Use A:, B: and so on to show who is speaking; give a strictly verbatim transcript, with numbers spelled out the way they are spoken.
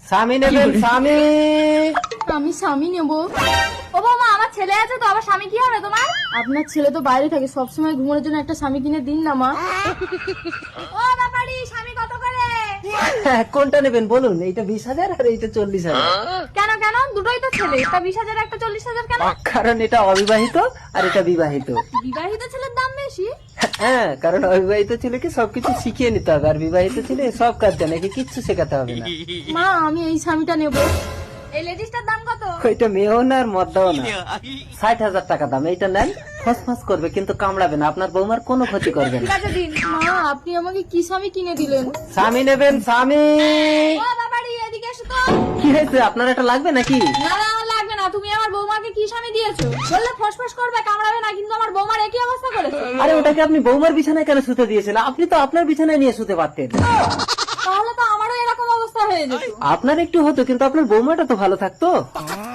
A: স্বামী নেবেন স্বামী।
B: আমি স্বামী নেবো।
C: ও বৌমা, আমার ছেলে আছে তো, আবার স্বামী কি হবে তোমার?
B: আপনার ছেলে তো বাইরে থাকে, সবসময় ঘুমানোর জন্য একটা স্বামী কিনে দিন না মা।
C: ও ব্যাপারি, স্বামী কত করে?
A: হ্যাঁ, কোনটা নেবেন বলুন? এইটা বিশ হাজার আর এইটা চল্লিশ হাজার।
C: কেন কেন, দুটোই তো ছেলে, তা বিশ হাজার একটা চল্লিশ হাজার কেন?
A: কারণ এটা অবিবাহিত আর এটা বিবাহিত।
C: বিবাহিত ছেলের দাম বেশি?
A: হ্যাঁ, কারণ অবিবাহিত ছেলেকে সবকিছু শিখিয়ে নিতে হবে, আর বিবাহিত ছেলে সব কাজ জানে, একে কিচ্ছু শেখাতে হবে না।
B: মা আমি এই স্বামীটা নেবো।
C: এই লেডিসটার দাম কত?
A: ওইটা মেয়েও না আর মদ্দাও না, ষাট হাজার টাকা দাম। এইটা নেন, ফস ফস করবে কিন্তু কামড়াবে না, আপনার বৌমার কোনো ক্ষতি করবে না।
C: ঠিক আছে দিন।
B: মা আপনি আমাকে কি স্বামী কিনে দিলেন?
A: স্বামী নেবেন স্বামী।
C: ও ব্যাপারি, এদিকে এসো তো।
A: কি হয়েছে, আপনার এটা লাগবে নাকি?
C: না না, আমার লাগবে না। তুমি আমার বৌমাকে কি স্বামী দিয়েছো? বললে ফসফস করবে, কামড়াবে না, কিন্তু আমার বৌমার একই অবস্থা করেছে।
A: আরে ওটাকে আপনি বৌমার বিছানায় কেন শুতে দিয়েছেন? আপনি তো আপনার বিছানায় নিয়ে শুতে পারতেন।
C: তাহলে তো আমারও এরকম অবস্থা হয়ে যেত।
A: আপনার একটু হতো, কিন্তু আপনার বৌমাটা তো ভালো থাকতো।